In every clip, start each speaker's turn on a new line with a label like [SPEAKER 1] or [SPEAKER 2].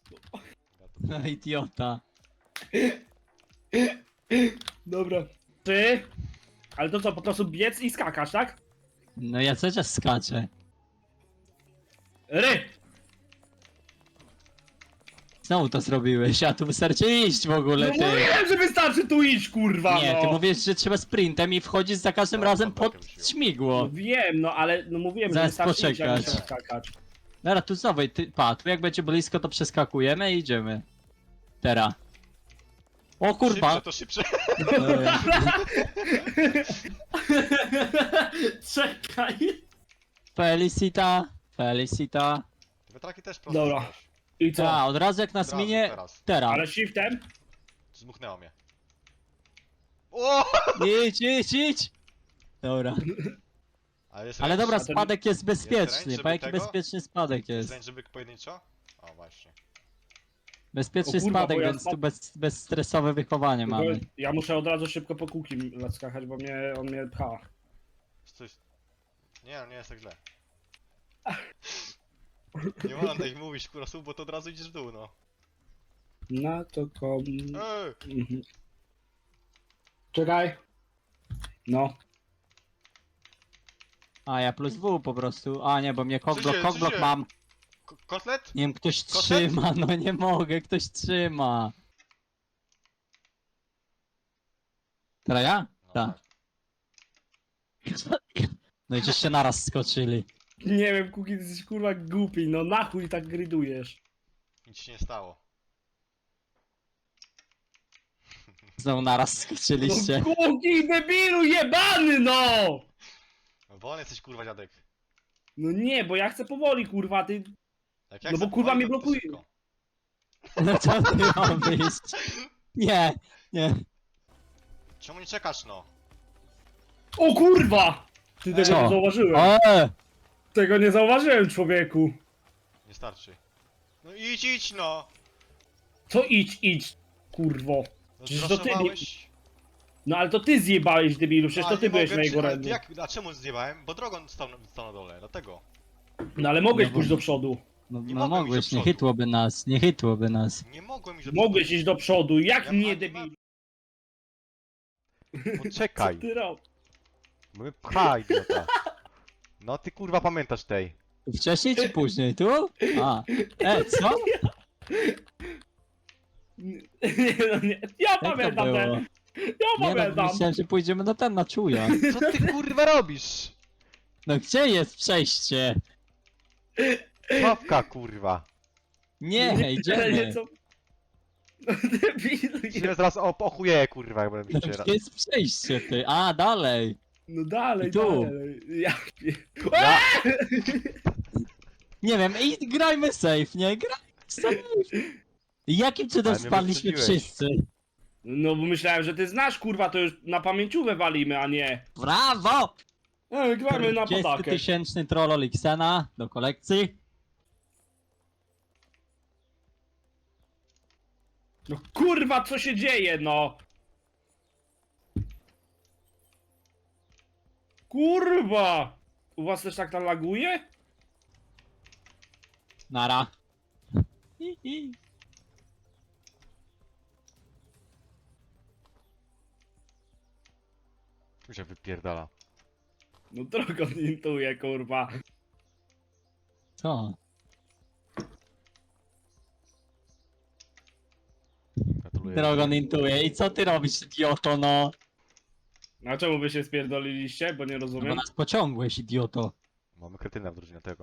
[SPEAKER 1] No idiota.
[SPEAKER 2] Dobra. Ty? Ale to co, po prostu biec i skakasz, tak?
[SPEAKER 1] No ja cały czas skaczę.
[SPEAKER 2] Ry!
[SPEAKER 1] Znowu to zrobiłeś, a tu wystarczy iść w ogóle,
[SPEAKER 2] No
[SPEAKER 1] ty.
[SPEAKER 2] mówiłem, że wystarczy tu iść, kurwa,
[SPEAKER 1] Nie,
[SPEAKER 2] no!
[SPEAKER 1] ty mówisz, że trzeba sprintem i wchodzisz za każdym
[SPEAKER 3] Dobra,
[SPEAKER 1] razem pod
[SPEAKER 3] podbakę
[SPEAKER 1] śmigło.
[SPEAKER 2] No wiem, no ale no mówiłem, że
[SPEAKER 1] Zaraz
[SPEAKER 2] wystarczy iść, jak
[SPEAKER 1] poczekać.
[SPEAKER 2] musimy skakać.
[SPEAKER 1] Dobra, tu znowu, ty, pa, tu jak będzie blisko, to przeskakujemy i idziemy. Teraz. O kurwa!
[SPEAKER 3] Szybsze, to szybsze.
[SPEAKER 1] Dobra.
[SPEAKER 2] Czekaj!
[SPEAKER 1] Felicita, Felicita.
[SPEAKER 3] Wiatraki też prosto.
[SPEAKER 2] Dobra.
[SPEAKER 3] zrobiłeś.
[SPEAKER 2] I co?
[SPEAKER 1] Ta, od razu jak nas
[SPEAKER 3] Od razu,
[SPEAKER 1] minie,
[SPEAKER 3] teraz.
[SPEAKER 1] teraz.
[SPEAKER 2] Ale shiftem?
[SPEAKER 3] Zmuchnęło mnie. O!
[SPEAKER 1] Idź! Dobra.
[SPEAKER 3] Ale, jest
[SPEAKER 1] Ale
[SPEAKER 3] range?
[SPEAKER 1] dobra,
[SPEAKER 2] A to nie-
[SPEAKER 1] spadek jest bezpieczny,
[SPEAKER 3] range,
[SPEAKER 1] bo
[SPEAKER 3] żeby
[SPEAKER 1] jaki
[SPEAKER 3] tego?
[SPEAKER 1] bezpieczny spadek
[SPEAKER 3] Jest
[SPEAKER 1] jest.
[SPEAKER 3] range, żeby pojedynczo? O, właśnie.
[SPEAKER 1] Bezpieczny
[SPEAKER 2] O kurwa,
[SPEAKER 1] spadek,
[SPEAKER 2] bo ja
[SPEAKER 1] więc tu bezstresowe wychowanie
[SPEAKER 2] Tylko
[SPEAKER 1] mamy.
[SPEAKER 2] ja muszę od razu szybko po kółki skakać, bo on mnie pcha.
[SPEAKER 3] Coś... Nie, nie jest tak źle. Nie można tak mówić, kurwa, słów, bo to od razu idziesz w dół, no.
[SPEAKER 2] Na to kom...
[SPEAKER 3] Ej!
[SPEAKER 2] Mhm. Czekaj. No.
[SPEAKER 1] A ja plus W po prostu. A nie, bo mnie
[SPEAKER 3] Co się-
[SPEAKER 1] kokblok
[SPEAKER 3] co się-
[SPEAKER 1] mam.
[SPEAKER 3] Kotlet?
[SPEAKER 1] Nie wiem, ktoś
[SPEAKER 3] Kotlet?
[SPEAKER 1] trzyma, no nie mogę, ktoś trzyma. Teraz ja?
[SPEAKER 3] No,
[SPEAKER 1] Tak. No i żeście naraz skoczyli.
[SPEAKER 2] Nie wiem, Kuki, ty jesteś kurwa głupi, no na chuj tak gridujesz.
[SPEAKER 3] Nic się nie stało.
[SPEAKER 1] Znowu naraz skoczyliście.
[SPEAKER 2] No Kuki, debilu jebany, no!
[SPEAKER 3] Wolny jesteś, kurwa, dziadek.
[SPEAKER 2] No nie, bo ja chcę powoli, kurwa, ty...
[SPEAKER 3] Jak
[SPEAKER 2] No
[SPEAKER 3] chcę
[SPEAKER 2] bo, kurwa,
[SPEAKER 3] powoli,
[SPEAKER 2] mnie
[SPEAKER 3] to
[SPEAKER 2] blokuje.
[SPEAKER 3] szybko.
[SPEAKER 1] No co ty mam wyjść? Nie, nie.
[SPEAKER 3] Czemu nie czekasz, no?
[SPEAKER 2] O kurwa! Ty tego
[SPEAKER 1] Co?
[SPEAKER 2] nie zauważyłem.
[SPEAKER 1] O!
[SPEAKER 2] Tego nie zauważyłem, człowieku.
[SPEAKER 3] Nie starczy. No idź, no!
[SPEAKER 2] Co idź, kurwo.
[SPEAKER 3] No
[SPEAKER 2] Przecież to ty nie-
[SPEAKER 3] zraszowałeś.
[SPEAKER 2] No ale to ty zjebałeś, debilu, przecież
[SPEAKER 3] No,
[SPEAKER 2] to
[SPEAKER 3] ale
[SPEAKER 2] ty
[SPEAKER 3] nie
[SPEAKER 2] byłeś
[SPEAKER 3] mogę
[SPEAKER 2] na jego
[SPEAKER 3] ale
[SPEAKER 2] ręku.
[SPEAKER 3] ty jak, a czemu zjebałem? Bo drogą stał na dole, dlatego.
[SPEAKER 2] No ale mogłeś
[SPEAKER 1] No bo-
[SPEAKER 2] pójść do przodu.
[SPEAKER 1] No,
[SPEAKER 3] Nie
[SPEAKER 1] no
[SPEAKER 3] mogłem
[SPEAKER 1] mogłeś,
[SPEAKER 3] iść do
[SPEAKER 1] nie
[SPEAKER 3] przodu.
[SPEAKER 1] chytłoby nas, nie chytłoby nas.
[SPEAKER 3] Nie mogłem iść do
[SPEAKER 2] Mogłeś iść do przodu, jak
[SPEAKER 3] Ja
[SPEAKER 2] nie,
[SPEAKER 3] ani
[SPEAKER 2] debilu?
[SPEAKER 3] Poczekaj,
[SPEAKER 2] Co ty robisz?
[SPEAKER 3] bo mnie pcha, idiota. No ty kurwa pamiętasz tej.
[SPEAKER 1] Wcześniej czy później? Tu? A. Co?
[SPEAKER 2] Nie, no nie. Ja
[SPEAKER 1] Jak to
[SPEAKER 2] pamiętam
[SPEAKER 1] było?
[SPEAKER 2] ten. Ja
[SPEAKER 1] Nie no,
[SPEAKER 2] pamiętam.
[SPEAKER 1] myślałem, że pójdziemy na ten, na czuja.
[SPEAKER 3] Co ty kurwa robisz?
[SPEAKER 1] No gdzie jest przejście?
[SPEAKER 3] Łapka kurwa.
[SPEAKER 1] Nie, idziemy.
[SPEAKER 2] Co? No debilu.
[SPEAKER 3] Cię zaraz ochuję kurwa, jak będę
[SPEAKER 1] No,
[SPEAKER 3] się
[SPEAKER 1] gdzie jest przejście, ty? A, dalej.
[SPEAKER 2] No dalej,
[SPEAKER 1] I tu.
[SPEAKER 2] dalej. Ja...
[SPEAKER 3] Ja...
[SPEAKER 1] Nie wiem, i grajmy safe, nie? Grajmy safe. Jakim cudem
[SPEAKER 3] Ale mnie
[SPEAKER 1] spadliśmy
[SPEAKER 3] wyprzedziłeś.
[SPEAKER 1] wszyscy?
[SPEAKER 2] No bo myślałem, że ty znasz, kurwa, to już na pamięciówę walimy, a nie.
[SPEAKER 1] Brawo!
[SPEAKER 2] Gramy na podakę.
[SPEAKER 1] 10-tysięczny troll Xena do kolekcji.
[SPEAKER 2] No kurwa, co się dzieje, no? Kurwa! U was też tak laguje?
[SPEAKER 1] Nara. Hi, hi.
[SPEAKER 3] Tu się wypierdala.
[SPEAKER 2] No drogo intuję, kurwa.
[SPEAKER 1] Co?
[SPEAKER 3] Gratuluję.
[SPEAKER 1] Drogon intuje. I co ty robisz, idioto, no?
[SPEAKER 2] A czemu wy się spierdoliliście? Bo nie
[SPEAKER 1] No bo
[SPEAKER 2] rozumiem.
[SPEAKER 1] nas pociągłeś, idioto.
[SPEAKER 3] Mamy kretyna w drużynie tego.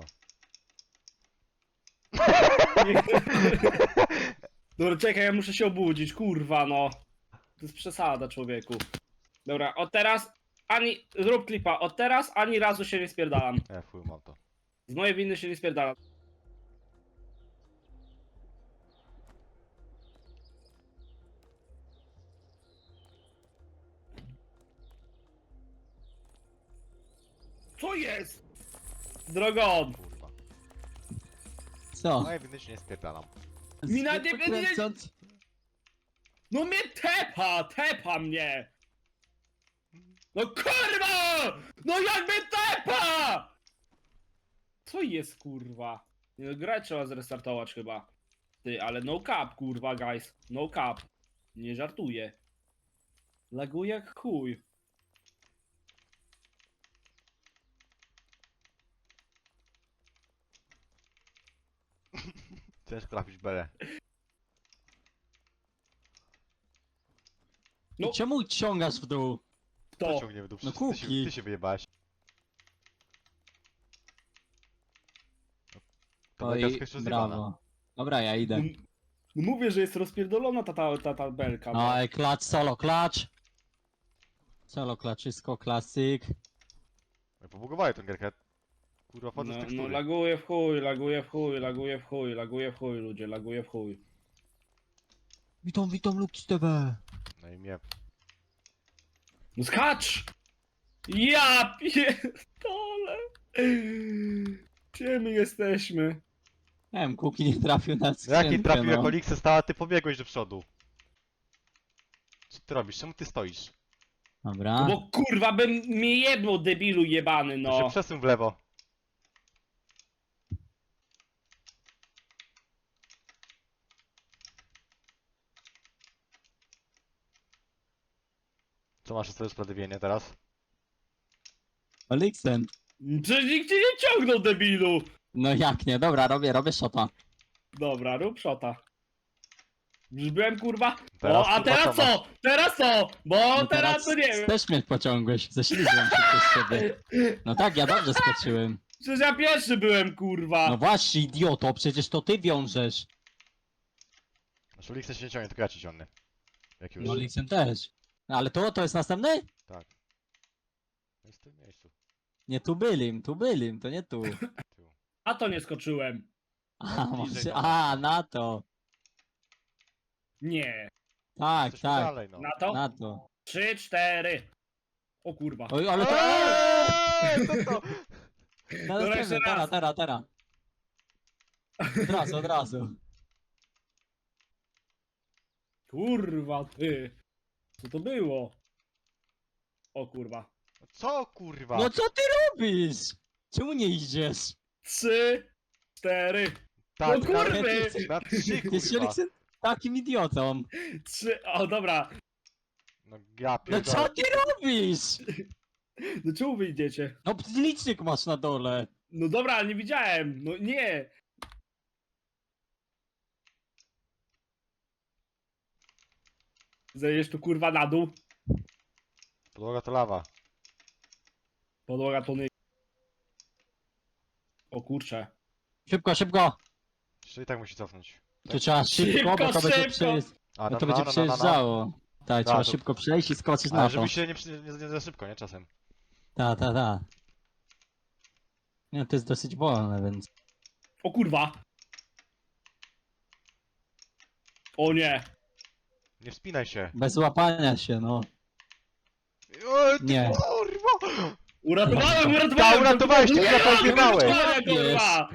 [SPEAKER 2] Dobra, czekaj, ja muszę się obudzić, kurwa, no. To jest przesada, człowieku. Dobra, od teraz ani... Zrób klipa, od teraz ani razu się nie spierdalam.
[SPEAKER 3] Fuj, mam to.
[SPEAKER 2] Z mojej winy się nie spierdalam. Co jest? Drogon!
[SPEAKER 3] Kurwa.
[SPEAKER 1] Co?
[SPEAKER 3] Moje winy się nie spierdalam.
[SPEAKER 2] Mina nie-
[SPEAKER 1] Zwykle kręcąc-
[SPEAKER 2] No mnie tepa mnie! No kurwa! No jak mnie tepa! Co jest kurwa? Nie no, grę trzeba zrestartować chyba. Ty, ale no cap, kurwa, guys. No cap. Nie żartuję. Laguje jak chuj.
[SPEAKER 3] Ciężko trafić belę.
[SPEAKER 2] No.
[SPEAKER 1] Czemu ciągasz w dół?
[SPEAKER 3] To
[SPEAKER 2] To.
[SPEAKER 3] ciągnie w dół,
[SPEAKER 1] No
[SPEAKER 3] przecież
[SPEAKER 1] kuki.
[SPEAKER 3] ty się wyjebałeś. To
[SPEAKER 1] Oj,
[SPEAKER 3] belka jest jeszcze zjebana.
[SPEAKER 1] brawo. Dobra, ja idę.
[SPEAKER 2] No mówię, że jest rozpierdolona ta belka.
[SPEAKER 1] No i klacz, solo klacz. Solo klaczysko, klasyk.
[SPEAKER 3] Ja pobugowałem tę gierkę. Kurwa, wchodzę z
[SPEAKER 2] No,
[SPEAKER 3] tekstury.
[SPEAKER 2] no laguje w chuj, laguje w chuj, laguje w chuj, laguje w chuj, ludzie, laguje w chuj.
[SPEAKER 1] Witam, Lux TV.
[SPEAKER 3] No i mnie.
[SPEAKER 2] No skacz! Ja pierdolę! Gdzie my jesteśmy?
[SPEAKER 1] Nie wiem, Kuki nie trafił na skrzynkę,
[SPEAKER 3] Jaki trafił
[SPEAKER 1] no.
[SPEAKER 3] jako Lixe stała, ty pobiegłeś do przodu. Co ty robisz? Czemu ty stoisz?
[SPEAKER 1] Dobra.
[SPEAKER 2] No bo kurwa bym mnie jebnął, debilu jebany,
[SPEAKER 3] To się
[SPEAKER 2] no.
[SPEAKER 3] przesuń w lewo. Co masz sobie usprawiedliwienie teraz?
[SPEAKER 1] Oliksen.
[SPEAKER 2] Przecież nikt cię nie ciągnął, debilu!
[SPEAKER 1] No jak nie, dobra, robię shota.
[SPEAKER 2] Dobra, rób szota. Już byłem kurwa.
[SPEAKER 3] Teraz,
[SPEAKER 2] O, a
[SPEAKER 3] kurwa,
[SPEAKER 2] teraz
[SPEAKER 3] co masz?
[SPEAKER 2] co? Teraz co? Bo
[SPEAKER 1] No
[SPEAKER 2] teraz to nie wiem.
[SPEAKER 1] też mnie pociągłeś, ześlizłem się przez ciebie. No tak, ja dobrze skoczyłem.
[SPEAKER 2] Przecież ja pierwszy byłem, kurwa.
[SPEAKER 1] No właśnie, idioto, przecież to ty wiążesz.
[SPEAKER 3] Znaczy Lixe się nie ciągnie, tylko ja ci ciągnę. Jak już.
[SPEAKER 1] No Oliksen też. No, ale to jest następny?
[SPEAKER 3] Tak. No jest w tym miejscu.
[SPEAKER 1] Nie, tu bylim, to nie tu.
[SPEAKER 3] Tył.
[SPEAKER 2] A to nie skoczyłem.
[SPEAKER 1] A,
[SPEAKER 3] Bliżej
[SPEAKER 1] może,
[SPEAKER 3] do nas.
[SPEAKER 1] a, na to.
[SPEAKER 2] Nie.
[SPEAKER 1] Tak,
[SPEAKER 3] Jesteśmy
[SPEAKER 1] tak,
[SPEAKER 3] dalej, no.
[SPEAKER 2] Na to?
[SPEAKER 1] na to.
[SPEAKER 2] 3, 4. O kurwa.
[SPEAKER 1] Oj, ale to...
[SPEAKER 3] Co to?
[SPEAKER 1] Na
[SPEAKER 2] Dobra, jeszcze
[SPEAKER 1] następny,
[SPEAKER 2] raz.
[SPEAKER 1] teraz. Od razu.
[SPEAKER 2] Kurwa ty. Co to było? O kurwa.
[SPEAKER 3] Co kurwa?
[SPEAKER 1] No co ty robisz? Czemu nie idziesz?
[SPEAKER 2] 3, 4.
[SPEAKER 3] Tak,
[SPEAKER 2] no kurwy!
[SPEAKER 3] na 3
[SPEAKER 1] Jest
[SPEAKER 3] kurwa.
[SPEAKER 1] Oliksen takim idiotą.
[SPEAKER 2] 3. O dobra.
[SPEAKER 3] No ja
[SPEAKER 1] No
[SPEAKER 3] pierdolę.
[SPEAKER 1] co ty robisz?
[SPEAKER 2] No czemu wy idziecie?
[SPEAKER 1] No licznik masz na dole.
[SPEAKER 2] No dobra, ale nie widziałem. No nie. Zejdziesz tu kurwa na dół.
[SPEAKER 3] Podłoga to lawa.
[SPEAKER 2] Podłoga to nie. O kurcze.
[SPEAKER 1] Szybko.
[SPEAKER 3] Jeszcze i tak musi cofnąć.
[SPEAKER 1] Tu trzeba szybko, bo to będzie,
[SPEAKER 2] Szybko.
[SPEAKER 3] A,
[SPEAKER 1] bo to będzie przejeżdżało. Tak, trzeba
[SPEAKER 3] to-
[SPEAKER 1] szybko przejść i skoczyć
[SPEAKER 3] Ale
[SPEAKER 1] na
[SPEAKER 3] żeby
[SPEAKER 1] to.
[SPEAKER 3] się nie za szybko, nie? Czasem.
[SPEAKER 1] Tak. Nie, to jest dosyć wolne, więc...
[SPEAKER 2] O kurwa. O nie.
[SPEAKER 3] Nie wspinaj się.
[SPEAKER 1] Bez łapania się, no.
[SPEAKER 3] O, ty
[SPEAKER 1] Nie.
[SPEAKER 3] kurwa!
[SPEAKER 2] Uratowałem!
[SPEAKER 3] Ta, uratowałeś, ty
[SPEAKER 2] Nie,
[SPEAKER 3] kurwa pozbiegałeś.
[SPEAKER 2] uratowałem, kurwa.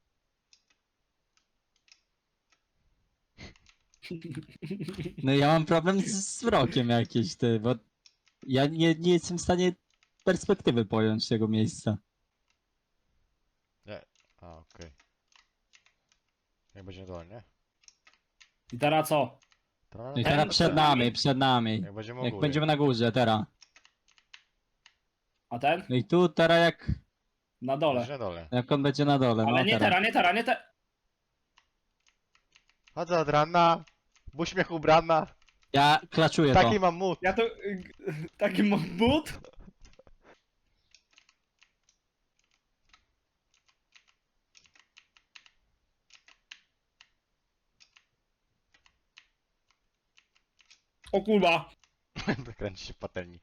[SPEAKER 1] No ja mam problem z wzrokiem jakiś, ty, bo... Ja nie jestem w stanie perspektywy pojąć tego miejsca.
[SPEAKER 3] A, okej. Jak będzie dole, nie?
[SPEAKER 2] I teraz co?
[SPEAKER 3] To,
[SPEAKER 1] No i teraz przed nami.
[SPEAKER 3] Jak będziemy u
[SPEAKER 1] Jak
[SPEAKER 3] góry.
[SPEAKER 1] będziemy na górze, teraz.
[SPEAKER 2] A ten?
[SPEAKER 1] No i tu teraz
[SPEAKER 2] Na dole.
[SPEAKER 3] Będzie na dole.
[SPEAKER 1] jak on będzie na dole,
[SPEAKER 2] Ale
[SPEAKER 1] no
[SPEAKER 2] nie
[SPEAKER 1] teraz.
[SPEAKER 2] teraz, nie teraz.
[SPEAKER 3] Chodzę od rana. W uśmiech ubrana.
[SPEAKER 1] Ja klaczuję to.
[SPEAKER 3] Taki mam mód.
[SPEAKER 2] Ja to... Taki mam but? O kurwa.
[SPEAKER 3] Kręci się w patelni.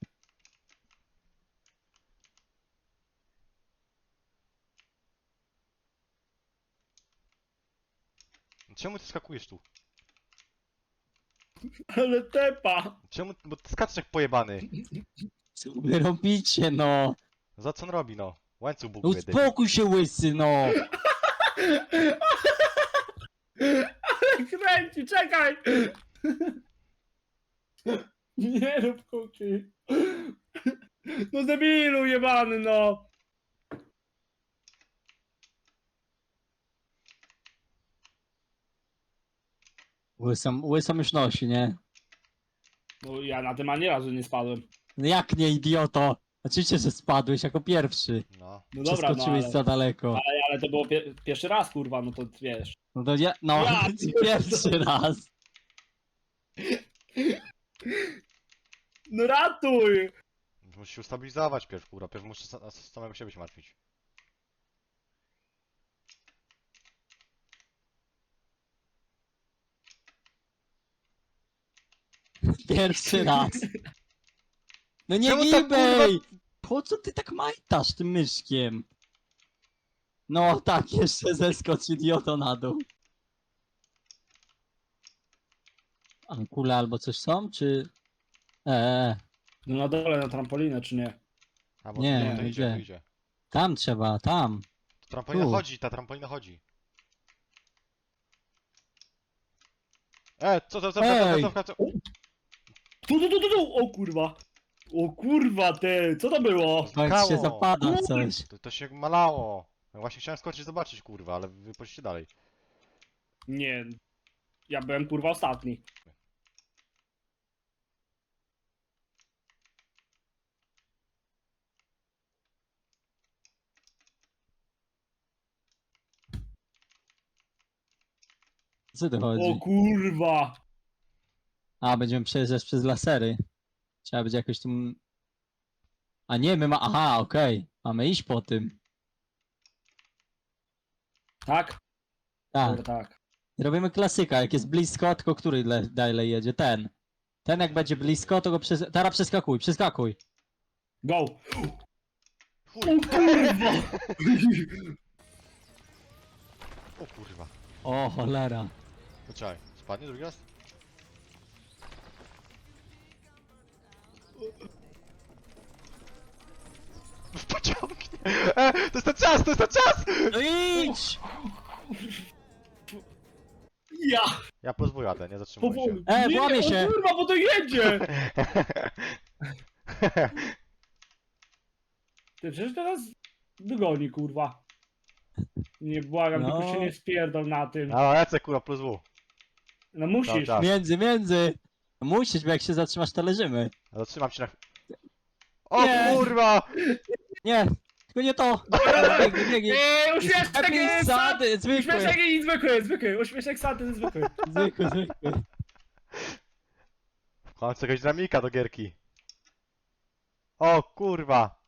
[SPEAKER 3] Czemu ty skakujesz tu?
[SPEAKER 2] Ale tepa.
[SPEAKER 3] Czemu? Bo ty skaczesz jak pojebany.
[SPEAKER 1] Co wy robicie, no?
[SPEAKER 3] Za co on robi, no? Łańcuch
[SPEAKER 1] No
[SPEAKER 3] buguje, debil.
[SPEAKER 1] uspokój się, łysy, no!
[SPEAKER 2] Ale kręci, czekaj. Nie rób kuki. No debilu jebany, no.
[SPEAKER 1] Łysą już nosi, nie?
[SPEAKER 2] No ja na tym ani razu nie spadłem.
[SPEAKER 1] No jak nie, idioto? Oczywiście, że spadłeś jako pierwszy.
[SPEAKER 3] No.
[SPEAKER 2] No dobra, no
[SPEAKER 1] Przeskoczyłeś za daleko.
[SPEAKER 2] ale to było pierwszy raz, kurwa, no to wiesz.
[SPEAKER 1] No to ja, no,
[SPEAKER 2] Ja
[SPEAKER 1] pierwszy raz.
[SPEAKER 2] No ratuj!
[SPEAKER 3] Musisz się ustabilizować pierw, kurwa. Pierw muszę samego siebie się martwić.
[SPEAKER 1] Pierwszy raz. No nie
[SPEAKER 3] Czemu tak,
[SPEAKER 1] gibej! Po co ty tak majtasz tym myszkiem? No tak, jeszcze zeskocz idioto na dół. A kule albo coś są, czy...
[SPEAKER 2] No na dole na trampolinę, czy nie?
[SPEAKER 3] A bo
[SPEAKER 1] Nie,
[SPEAKER 3] to
[SPEAKER 1] gdzie?
[SPEAKER 3] idzie, to idzie.
[SPEAKER 1] Tam trzeba, tam.
[SPEAKER 3] Trampolina
[SPEAKER 1] Tu.
[SPEAKER 3] chodzi, ta trampolina chodzi. Co?
[SPEAKER 1] Ej!
[SPEAKER 2] Tu! O kurwa! O kurwa ty! Co to było?
[SPEAKER 1] Bo jak się
[SPEAKER 3] Spakało.
[SPEAKER 1] zapada coś.
[SPEAKER 3] To się malało. Ja właśnie chciałem skoczyć zobaczyć, kurwa, ale wy poszliście dalej.
[SPEAKER 2] Nie. Ja byłem kurwa ostatni.
[SPEAKER 1] Co tu
[SPEAKER 2] O
[SPEAKER 1] chodzi?
[SPEAKER 2] kurwa!
[SPEAKER 1] A, będziemy przejeżdżać przez lasery. Trzeba będzie jakoś tym... A nie, my ma... Aha, okej. Mamy iść po tym.
[SPEAKER 2] Tak?
[SPEAKER 1] Tak.
[SPEAKER 2] Dobra, tak.
[SPEAKER 1] Robimy klasyka, jak jest blisko, tylko który dalej jedzie? Ten. Ten jak będzie blisko, to go teraz przeskakuj.
[SPEAKER 2] Go!
[SPEAKER 3] Chuj.
[SPEAKER 2] O kurwa!
[SPEAKER 3] O kurwa.
[SPEAKER 1] O, cholera.
[SPEAKER 3] Poczekaj, spadnie drugi raz? Pociągnie! To jest ten czas, to jest ten czas!
[SPEAKER 1] No idź!
[SPEAKER 2] Ja!
[SPEAKER 3] Ja pozwól jadę, nie zatrzymuję się.
[SPEAKER 2] Powoli.
[SPEAKER 1] Włamie
[SPEAKER 2] Nie,
[SPEAKER 1] się.
[SPEAKER 2] O kurwa, bo to jedzie! Ty przecież teraz dogoni, kurwa. Nie błagam,
[SPEAKER 1] No.
[SPEAKER 2] tylko się nie spierdol na tym.
[SPEAKER 3] A, lecę kurwa, plus W.
[SPEAKER 2] No musisz.
[SPEAKER 3] Dobra.
[SPEAKER 1] Między. Musisz, bo jak się zatrzymasz, to leżymy.
[SPEAKER 3] Zatrzymam się na O
[SPEAKER 1] Nie.
[SPEAKER 3] kurwa!
[SPEAKER 1] Nie, tylko nie to. Biegnij.
[SPEAKER 2] Uśmieszek
[SPEAKER 1] Happy
[SPEAKER 2] jest!
[SPEAKER 1] Sady,
[SPEAKER 2] Uśmieszek
[SPEAKER 1] zwykły.
[SPEAKER 2] i zwykły. Uśmieszek sady zwykły.
[SPEAKER 1] Zwykły.
[SPEAKER 3] W końcu jakaś dynamika do gierki. O kurwa!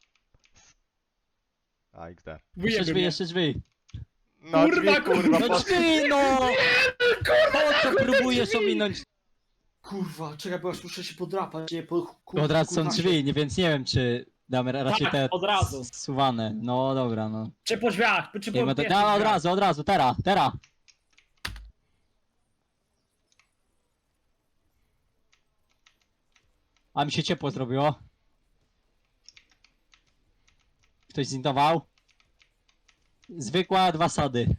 [SPEAKER 3] A, XD.
[SPEAKER 1] Jeszcze drzwi, jeszcze drzwi.
[SPEAKER 3] No
[SPEAKER 2] Kurwa,
[SPEAKER 3] drzwi, kurwa,
[SPEAKER 1] No
[SPEAKER 3] po...
[SPEAKER 1] drzwi, no! Po co próbujesz
[SPEAKER 2] drzwi.
[SPEAKER 1] ominąć?
[SPEAKER 2] Kurwa, czekaj, bo aż muszę się podrapać. Nie, po,
[SPEAKER 1] Od razu są drzwi, więc nie wiem, czy damy raczej
[SPEAKER 2] Tak,
[SPEAKER 1] te
[SPEAKER 2] od razu.
[SPEAKER 1] zsuwane. No dobra, no.
[SPEAKER 2] Czy po drzwiach, czy po
[SPEAKER 1] Nie, no,
[SPEAKER 2] pierwszych
[SPEAKER 1] od
[SPEAKER 2] drzwiach.
[SPEAKER 1] razu, teraz. A mi się ciepło zrobiło. Ktoś zintował? Zwykła, 2 sady.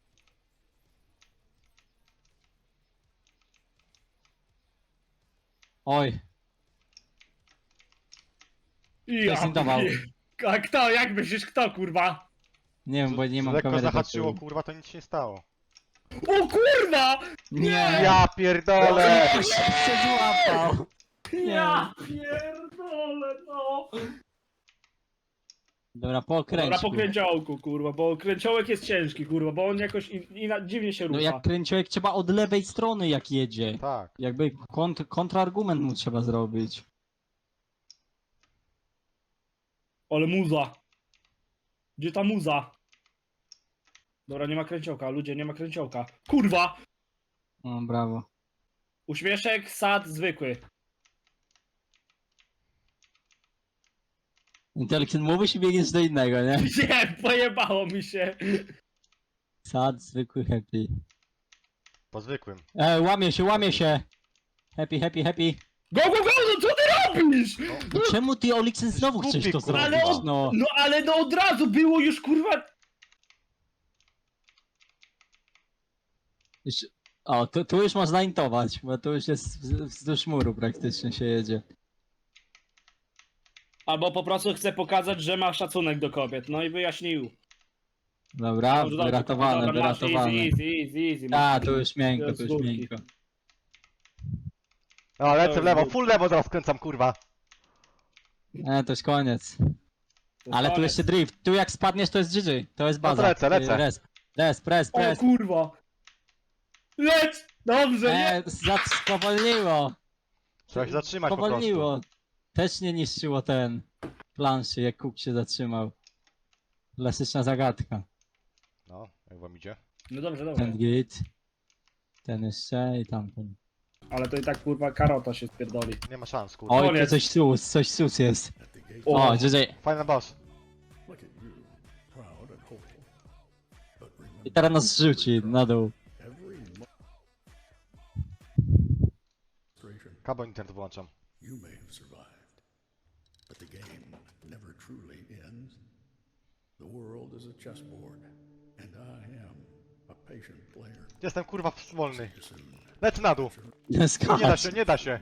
[SPEAKER 1] Oj,
[SPEAKER 2] Ja,
[SPEAKER 1] zintował.
[SPEAKER 2] A kto, jak myślisz, kto, kurwa?
[SPEAKER 1] nie wiem, bo nie mam
[SPEAKER 3] Lekko
[SPEAKER 1] kamery. do
[SPEAKER 3] zahaczyło,
[SPEAKER 1] tyłu.
[SPEAKER 3] kurwa, to nic się nie stało.
[SPEAKER 2] O kurwa!
[SPEAKER 1] Nie!
[SPEAKER 3] Ja pierdolę!
[SPEAKER 1] Ktoś się złapał!
[SPEAKER 2] Ja pierdolę, no!
[SPEAKER 1] Dobra, po
[SPEAKER 2] Dobra,
[SPEAKER 1] okręciu.
[SPEAKER 2] po kręciołku, kurwa, bo kręciołek jest ciężki, kurwa, bo on jakoś dziwnie się
[SPEAKER 1] No
[SPEAKER 2] rusza.
[SPEAKER 1] jak kręciołek trzeba od lewej strony jak jedzie.
[SPEAKER 3] Tak.
[SPEAKER 1] Jakby kontrargument mu trzeba zrobić.
[SPEAKER 2] Ale muza. Gdzie ta muza? Dobra, nie ma kręciołka, ludzie, nie ma kręciołka. Kurwa!
[SPEAKER 1] O, brawo.
[SPEAKER 2] Uśmieszek, sad, zwykły.
[SPEAKER 1] Intelligent mówisz i biegniesz do innego, nie?
[SPEAKER 2] Nie, pojebało mi się.
[SPEAKER 1] Sad, zwykły, happy.
[SPEAKER 3] Po zwykłym.
[SPEAKER 1] Łamie się! Happy.
[SPEAKER 2] Go, no co ty robisz?
[SPEAKER 1] No czemu ty, Olixen, znowu
[SPEAKER 3] Głupi,
[SPEAKER 1] chcesz to
[SPEAKER 3] kurwa.
[SPEAKER 1] zrobić,
[SPEAKER 2] Ale
[SPEAKER 1] no?
[SPEAKER 2] No ale no od razu było już, kurwa.
[SPEAKER 1] O, tu już można intować, bo tu już jest wzdłuż muru praktycznie się jedzie.
[SPEAKER 2] Albo po prostu chcę pokazać, że ma szacunek do kobiet, no i wyjaśnił.
[SPEAKER 1] Dobra,
[SPEAKER 2] Dobrze,
[SPEAKER 1] wyratowane.
[SPEAKER 2] Dobra, masz, easy.
[SPEAKER 1] A, tu już miękko,
[SPEAKER 2] z górki.
[SPEAKER 1] miękko.
[SPEAKER 3] O, lecę w lewo, full lewo zaraz skręcam, kurwa.
[SPEAKER 1] To już koniec.
[SPEAKER 2] To
[SPEAKER 1] Ale tu
[SPEAKER 2] koniec.
[SPEAKER 1] jeszcze drift. Tu jak spadniesz to jest GG. To jest baza.
[SPEAKER 3] lecę, lecę.
[SPEAKER 1] Press.
[SPEAKER 2] O kurwa! Leć! Dobrze, nie!
[SPEAKER 1] Spowolniło.
[SPEAKER 3] Trzeba się zatrzymać po prostu.
[SPEAKER 1] Spowolniło. Też nie niszczyło ten planszy, jak Cook się zatrzymał. Klasyczna zagadka.
[SPEAKER 3] No, jak wam idzie?
[SPEAKER 2] No dobrze, dobrze.
[SPEAKER 1] Ten git. Ten jeszcze i tamten.
[SPEAKER 2] Ale to i tak kurwa karota się spierdoli.
[SPEAKER 3] Nie ma szans, kurwa.
[SPEAKER 1] Oj, tu
[SPEAKER 2] Koniec.
[SPEAKER 1] coś sus jest.
[SPEAKER 2] O,
[SPEAKER 1] O, GG.
[SPEAKER 3] Fajny boss.
[SPEAKER 4] Look at you, proud and hopeful. But remember,
[SPEAKER 1] I teraz nas zrzuci na dół.
[SPEAKER 4] every frustration
[SPEAKER 3] Kabel internet wyłączam.
[SPEAKER 4] you may have survived, but the game never truly ends. The world is a chessboard, and I am a patient player.
[SPEAKER 3] Jestem kurwa wolny.
[SPEAKER 4] Soon.
[SPEAKER 3] Lecę na dół.
[SPEAKER 1] Nie
[SPEAKER 3] Nie da
[SPEAKER 1] skacz.
[SPEAKER 3] się, nie da się.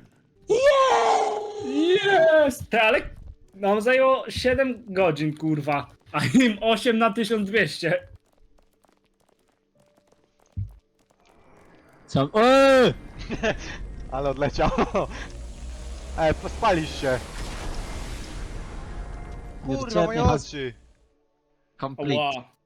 [SPEAKER 2] Jest! Ty, ale nam zajęło 7 godzin, kurwa. A im 8 na 1200.
[SPEAKER 1] Co?
[SPEAKER 3] Ale odleciał. Spalisz się. Kurwa, moje
[SPEAKER 1] Budżetnie has
[SPEAKER 3] oczy.
[SPEAKER 1] complete.
[SPEAKER 2] Ała.